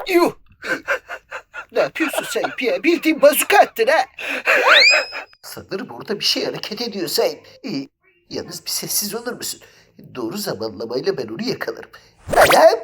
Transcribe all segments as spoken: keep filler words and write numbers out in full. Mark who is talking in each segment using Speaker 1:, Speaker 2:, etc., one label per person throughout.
Speaker 1: Yuh. Ne yapıyorsun Sayıp ya? Bildiğin bazuka attın ha. Sanırım orada bir şey hareket ediyor Sayıp. İyi. Yalnız bir sessiz olur musun? Doğru zamanlamayla ben onu yakalarım. Anam!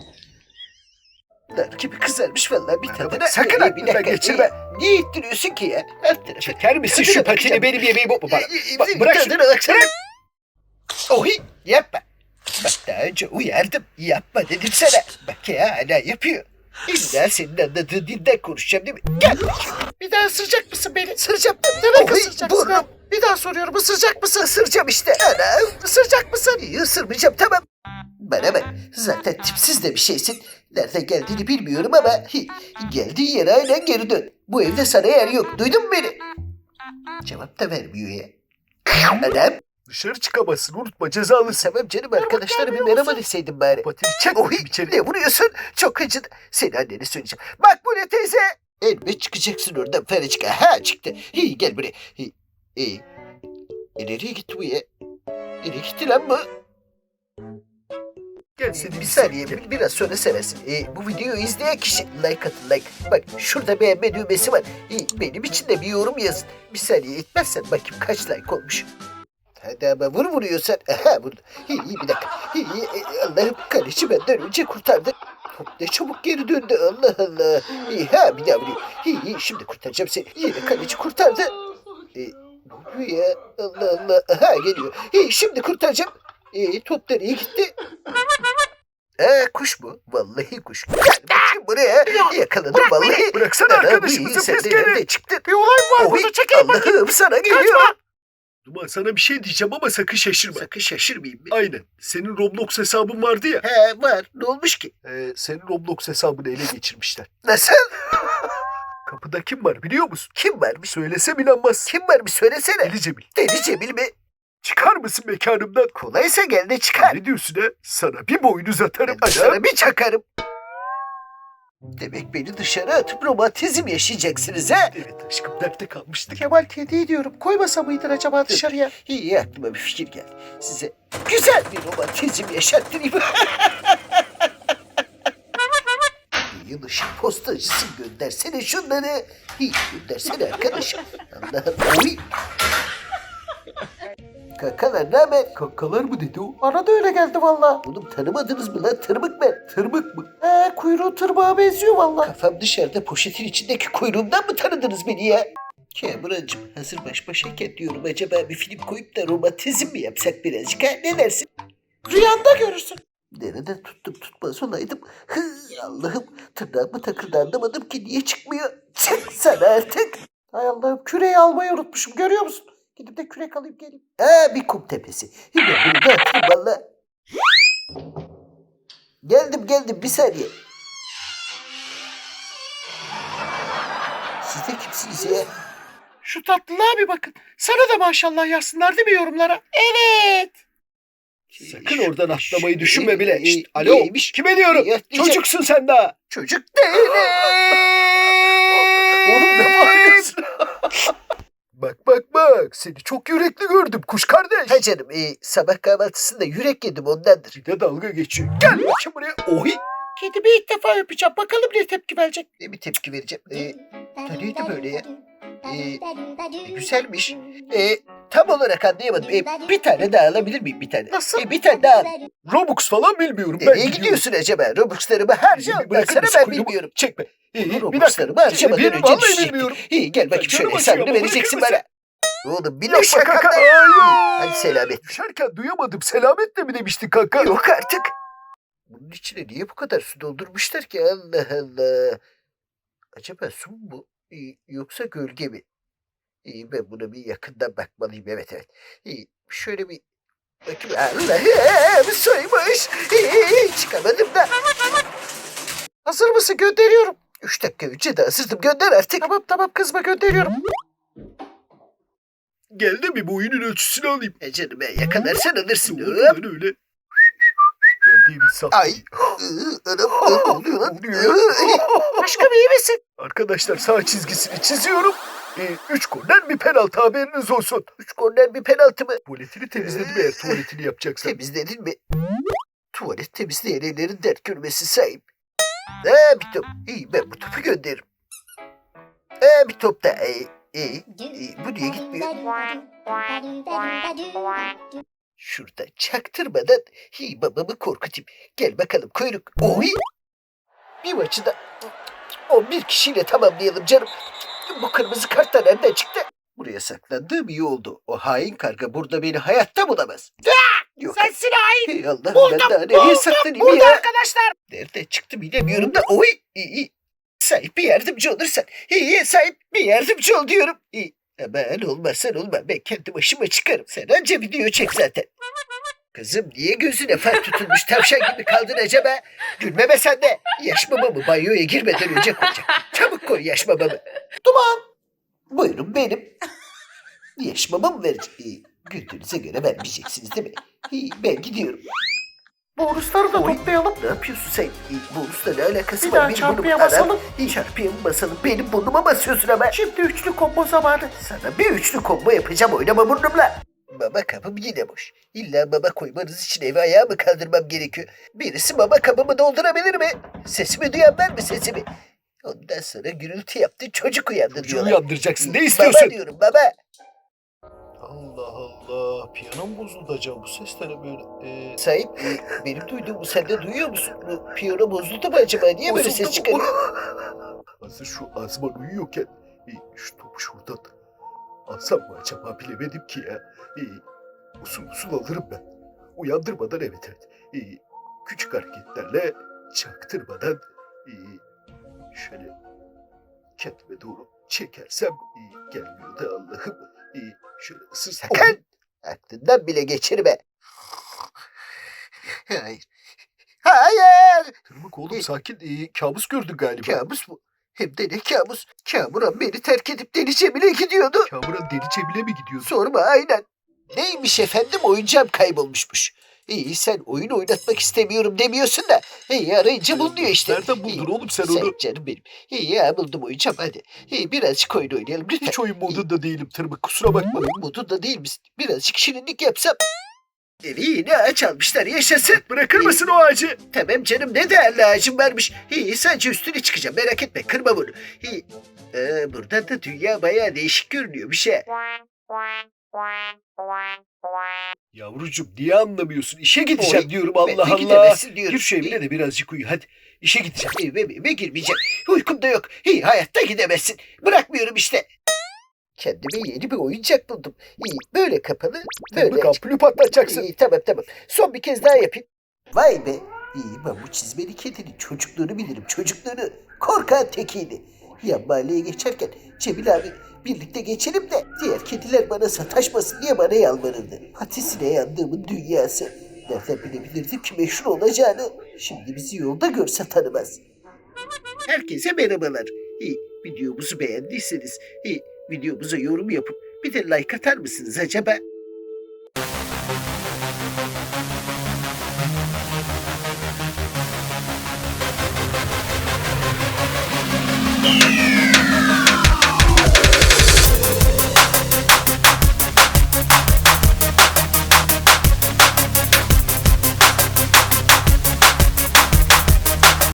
Speaker 1: Nar gibi kızarmış vallahi bir tadına.
Speaker 2: Sakın aklından geçirme.
Speaker 1: Niye ittiriyorsun ki ya? Alt tarafı.
Speaker 2: Çeker misin şu patini benim yemeğimi? Bak, bak, bırak
Speaker 1: Bırak
Speaker 2: şunu.
Speaker 1: tadına baksana. Ohi yapma. Bak daha önce uyardım. Yapma dedim sana. Bak ya hala yapıyor. İlla senin anladığın dilden konuşacağım değil mi? Gel bakayım.
Speaker 3: Bir daha ısıracak mısın beni?
Speaker 1: Isıracağım.
Speaker 3: Demek
Speaker 1: Ohi,
Speaker 3: ısıracaksın
Speaker 1: burnum.
Speaker 3: ha. Bir daha soruyorum, ısıracak mısın?
Speaker 1: Isıracağım işte. Ana.
Speaker 3: Isıracak mısın?
Speaker 1: İyi ısırmayacağım tamam. Bana bak zaten tipsiz de bir şeysin. Nereden geldiğini bilmiyorum ama hi, geldiğin yere aynen geri dön. Bu evde sana yer yok. Duydun mu beni? Cevap da vermiyor ya. Anam.
Speaker 2: Dışarı çıkamazsın, unutma, cezalısın.
Speaker 1: Tamam canım arkadaşlara bir merhaba deseydin bari.
Speaker 2: Patini çek
Speaker 1: Ohi
Speaker 2: bakayım içeri.
Speaker 1: ne vuruyorsun? Çok acıdı. Seni annene söyleyeceğim. Bak buraya teyze. Elbet çıkacaksın oradan Fericika. Ha çıktı. İyi gel buraya. İyi. İyi. E, nereye gitti bu ya? Nereye gitti lan bu?
Speaker 2: Gel
Speaker 1: Ee,
Speaker 2: seni
Speaker 1: bir saniye bir- biraz sonra seversin. Ee, bu videoyu izleyen kişi like atın like. Bak şurada beğenme düğmesi var. Ee, benim için de bir yorum yazın. Bir saniye etmezsen bakayım kaç like olmuş. Hadi ama vur vuruyorsan. Aha vurdu. İyi iyi bir dakika. İyi, iyi, e, Allah'ım kaleci benden önce kurtardı. Top ne çabuk geri döndü Allah Allah. İyi ha bir daha vuruyor. İyi iyi şimdi kurtaracağım seni. Yine kaleci kurtardı. Ee, ne oluyor ya? Allah Allah. Aha geliyor. İyi şimdi kurtaracağım. İyi top nereye gitti? Ee, kuş mu? Vallahi kuş. Gel bakayım buraya. Yakaladım vallahi.
Speaker 2: Bıraksana
Speaker 1: Ana, bu
Speaker 2: arkadaşımızı,
Speaker 1: iyi, sen
Speaker 2: pis
Speaker 1: de
Speaker 2: gene.
Speaker 1: nerede çıktın?
Speaker 3: Bir olay mı var
Speaker 1: Oy,
Speaker 3: burada? Çekil bakayım.
Speaker 1: Allah'ım sana geliyor.
Speaker 3: Kaçma.
Speaker 2: Duman, sana bir şey diyeceğim ama sakın şaşırma.
Speaker 1: Sakın şaşırmayayım. bir.
Speaker 2: Aynen. Senin Roblox hesabın vardı ya.
Speaker 1: He var. Ne olmuş ki?
Speaker 2: Ee, senin Roblox hesabını ele geçirmişler.
Speaker 1: Nasıl?
Speaker 2: Kapıda kim var biliyor musun?
Speaker 1: Kim varmış?
Speaker 2: Söylesem inanmazsın.
Speaker 1: Kim varmış söylesene.
Speaker 2: Deli Cemil.
Speaker 1: Deli Cemil mi?
Speaker 2: Çıkar mısın mekanımdan?
Speaker 1: Kolaysa gel de çıkar.
Speaker 2: Ne diyorsun ha? Sana bir boynuz atarım.
Speaker 1: Ben
Speaker 2: Ana.
Speaker 1: sana bir çakarım. Demek beni dışarı atıp romantizm yaşayacaksınız ha?
Speaker 2: Evet aşkım, nerede kalmıştık?
Speaker 3: Kemal kedi ediyorum. Koymasa mıydın acaba dışarıya?
Speaker 1: İyi aklıma bir fikir geldi. Size güzel bir romantizm yaşattırayım. Yılışık postacısı göndersene şunları. İyi göndersene arkadaşım. Allah Allah. Uy. Kakalar ne haber?
Speaker 2: Kankalar mı dedi o?
Speaker 3: Bana da öyle geldi valla.
Speaker 1: Oğlum tanımadınız mı lan? Tırmık ben.
Speaker 2: Tırmık mı?
Speaker 3: He, kuyruğu tırbağa benziyor valla.
Speaker 1: Kafam dışarıda poşetin içindeki kuyruğumdan mı tanıdınız beni ya? Kamuran'cığım hazır baş başayken diyorum acaba bir film koyup da romantizm mi yapsak birazcık ha? Ne dersin?
Speaker 3: Rüyanda görürsün.
Speaker 1: Nereden tuttum tutmaz olaydım. Hı, Allah'ım tırnağımı takıldı anlamadım ki niye çıkmıyor. Çık sana artık.
Speaker 3: Hay Allah'ım, küreği almayı unutmuşum, görüyor musun? Gidip de kürek alayım geleyim.
Speaker 1: Aa bir kum tepesi. Hemen bunu da atayım valla. Geldim geldim bir saniye. Siz de kimsiniz ya?
Speaker 3: Şu tatlılığa bir bakın. Sana da maşallah yazsınlar değil mi yorumlara? Evet.
Speaker 2: Sakın oradan atlamayı
Speaker 1: Şş,
Speaker 2: düşünme bile.
Speaker 1: e,
Speaker 2: Şşt,
Speaker 1: e,
Speaker 2: alo.
Speaker 1: neymiş?
Speaker 2: Kime diyorum?
Speaker 1: Ya, diyecek-
Speaker 2: Çocuksun sen daha.
Speaker 1: Çocuk değilim.
Speaker 2: Oğlum ne bağırıyorsun? Bak bak bak. Seni çok yürekli gördüm kuş kardeş.
Speaker 1: Ha canım e, sabah kahvaltısında yürek yedim ondandır.
Speaker 2: Bir de dalga geçiyor. Gel bakayım buraya. Ohi.
Speaker 3: Kedimi ilk defa öpeceğim. Bakalım ne tepki verecek.
Speaker 1: Ne bir tepki vereceğim. E, neydi böyle ya? E, güzelmiş. E, tam olarak anlayamadım. E, bir tane daha alabilir miyim bir tane?
Speaker 3: Nasıl?
Speaker 1: E, bir tane daha al.
Speaker 2: Robux falan bilmiyorum. Ben
Speaker 1: Nereye
Speaker 2: biliyorum.
Speaker 1: gidiyorsun acaba? Robux'larımı harca
Speaker 2: Bir
Speaker 1: ondan
Speaker 2: bırakır
Speaker 1: sonra
Speaker 2: mısın
Speaker 1: ben
Speaker 2: kuyruğumu?
Speaker 1: bilmiyorum.
Speaker 2: Çekme. İyi, iyi, bir
Speaker 1: Robux'larımı
Speaker 2: dakika.
Speaker 1: harcamadan
Speaker 2: Bir-
Speaker 1: önce
Speaker 2: vallahi
Speaker 1: düşecektik.
Speaker 2: bilmiyorum.
Speaker 1: İyi gel bakayım
Speaker 2: Canım
Speaker 1: şöyle
Speaker 2: acıyor
Speaker 1: hesabını
Speaker 2: ama
Speaker 1: vereceksin
Speaker 2: bırakır
Speaker 1: bana. Oğlum bir
Speaker 2: Yok
Speaker 1: lokma
Speaker 2: kanka.
Speaker 1: kanka.
Speaker 2: Hayır.
Speaker 1: Hadi selamet.
Speaker 2: Düşerken duyamadım. Selametle mi demiştin kanka?
Speaker 1: Yok artık. Bunun içine niye bu kadar su doldurmuşlar ki? Allah Allah. Acaba su mu bu? Ee, Yoksa gölge mi? İyi ben buna bir yakından bakmalıyım. Evet evet. İyi şöyle bir bakayım. Allah'ım suymuş. İyi, çıkamadım da.
Speaker 3: Hazır mısın? Gönderiyorum.
Speaker 1: Üç dakika önce de hazırdım. Gönder artık.
Speaker 3: Tamam tamam, kızma, gönderiyorum.
Speaker 2: Gel de bir boyunun ölçüsünü alayım.
Speaker 1: E canım ya yakalarsan alırsın.
Speaker 2: Doğru
Speaker 1: Hop.
Speaker 2: lan öyle. Geldiğimiz sahne.
Speaker 1: Ay. Iı, Anam ne oluyor lan?
Speaker 2: Oluyor.
Speaker 1: Iı,
Speaker 3: Aşkım iyi misin?
Speaker 2: Arkadaşlar sağ çizgisini çiziyorum. Ee, üç korner bir penaltı, haberiniz olsun.
Speaker 1: Üç korner bir penaltı mı?
Speaker 2: Tuvaletini temizledim eğer tuvaletini yapacaksan.
Speaker 1: Temizledin mi? Tuvalet temizleyen ellerin dert görmesi sahip. Ee, bir top. İyi ben bu topu gönderirim. Ee, bir top da. İyi, iyi. iyi. Bu niye gitmiyor? Şurada çaktırmadan hi babamı korkutayım. Gel bakalım kuyruk. Oy! Bir maçı da on bir kişiyle tamamlayalım canım. Bu kırmızı kart da nereden çıktı? Buraya saklandığım iyi oldu. O hain karga burada beni hayatta bulamaz. Yok.
Speaker 3: Sensin hain.
Speaker 1: Hey Allah,
Speaker 3: Buldum,
Speaker 1: ben daha nereye
Speaker 3: buldum,
Speaker 1: saklanayım
Speaker 3: burada
Speaker 1: ya?
Speaker 3: arkadaşlar.
Speaker 1: Nereden çıktı bilemiyorum da. Oy! İyi, iyi. Sahip bir yardımcı olursan. İyi sahip bir yardımcı ol diyorum. İyi. Aman olmazsan olma. Ben kendi başıma çıkarım. Sen anca video çek zaten. Kızım niye gözüne far tutulmuş tavşan gibi kaldın acaba? Gülme be sen de. Yaş babamı banyoya girmeden önce koyacak. Çabuk koy yaş babamı. Duman. Buyurun benim. Yaş babamı vereceğim. İyi. Güldüğünüze göre vermeyeceksiniz değil mi? İyi, ben gidiyorum.
Speaker 3: Bonusları da
Speaker 1: Oy,
Speaker 3: toplayalım.
Speaker 1: Ne yapıyorsun sen? İyi, bonusla ne alakası
Speaker 3: Bir
Speaker 1: var?
Speaker 3: daha
Speaker 1: Benim
Speaker 3: çarpıya
Speaker 1: burnum-
Speaker 3: basalım.
Speaker 1: Anam, İyi çarpıya mı basalım? Benim burnuma basıyorsun ama.
Speaker 3: Şimdi üçlü combo zamanı.
Speaker 1: Sana bir üçlü combo yapacağım, oynama burnumla. Baba kabım yine boş. İlla baba koymanız için evi ayağa mı kaldırmam gerekiyor? Birisi baba kabımı doldurabilir mi? Sesimi duyan var mı sesimi? Ondan sonra gürültü yaptı, çocuk uyandı
Speaker 2: Çocuğu
Speaker 1: diyorlar.
Speaker 2: uyandıracaksın. Ne
Speaker 1: Baba
Speaker 2: istiyorsun?
Speaker 1: diyorum baba.
Speaker 2: Allah Allah. Piyanom bozuldu acaba. Bu ses de ne böyle? Ee,
Speaker 1: Sahip e, benim duyduğumu sen de duyuyor musun? Bu piyano bozuldu mu acaba? Niye böyle
Speaker 2: bozuldu
Speaker 1: ses
Speaker 2: mu?
Speaker 1: çıkarıyor?
Speaker 2: Hazır şu Azman uyuyorken e, şu topu şuradan alsam mı acaba bilemedim ki ya. E, usul usul alırım ben. Uyandırmadan evet evet. E, küçük hareketlerle çaktırmadan e, şöyle kendime doğru çekersem e, gelmiyor da Allah'ım. E, şöyle ısırsam.
Speaker 1: Sakın! Aklından bile geçirme. Hayır. Hayır!
Speaker 2: Tırmık oğlum sakin. E, kabus gördün galiba.
Speaker 1: Kabus mu? Hem de ne kabus? Kamuran beni terk edip deli Cemile gidiyordu.
Speaker 2: Kamuran deli Cemile mi gidiyorsun?
Speaker 1: Sorma aynen. Neymiş efendim, oyuncağım kaybolmuşmuş. İyi sen oyun oynatmak istemiyorum demiyorsun da. İyi arayınca bulunuyor işte.
Speaker 2: Nereden buldun
Speaker 1: İyi,
Speaker 2: oğlum sen
Speaker 1: Sen
Speaker 2: onu?
Speaker 1: canım benim. İyi ya buldum oyuncağım hadi. İyi birazcık oyun oynayalım lütfen.
Speaker 2: Hiç oyun modunda değilim Tırmık kusura bakma.
Speaker 1: Oyun modunda değil misin? Birazcık şirinlik yapsam. Evi yine ağaç almışlar yaşasın.
Speaker 2: Bırakır mısın o ağacı?
Speaker 1: Tamam canım ne değerli ağacım varmış. İyi sadece üstüne çıkacağım merak etme kırma bunu. İyi. Ee, buradan da dünya bayağı değişik görünüyor bir şey.
Speaker 2: Yavrucuğum niye anlamıyorsun? İşe gideceğim
Speaker 1: Oy,
Speaker 2: diyorum
Speaker 1: Ben
Speaker 2: Allah
Speaker 1: de
Speaker 2: Allah.
Speaker 1: gidemezsin diyorum.
Speaker 2: Gir şu evine de birazcık uyu hadi. İşe gideceğim.
Speaker 1: Eve, eve girmeyeceğim. Uykum da yok. İyi hayatta gidemezsin. Bırakmıyorum işte. Kendime yeni bir oyuncak buldum. İyi böyle kapalı. Böyle
Speaker 2: Tırmık
Speaker 1: açık.
Speaker 2: ampulü patlatacaksın.
Speaker 1: İyi tamam tamam. Son bir kez daha yapayım. Vay be. İyi ben bu çizmeli kedinin çocukluğunu bilirim. Çocukluğunu. Korkan tekiydi. Yan mahalleye geçerken Cemil abi birlikte geçelim de diğer kediler bana sataşmasın diye bana yalvarırdı. Patisine yandığımın dünyası. Nereden bilebilirdim ki meşhur olacağını. Şimdi bizi yolda görse tanımaz. Herkese merhabalar. İyi, videomuzu beğendiyseniz iyi, videomuza yorum yapıp bir de like atar mısınız acaba?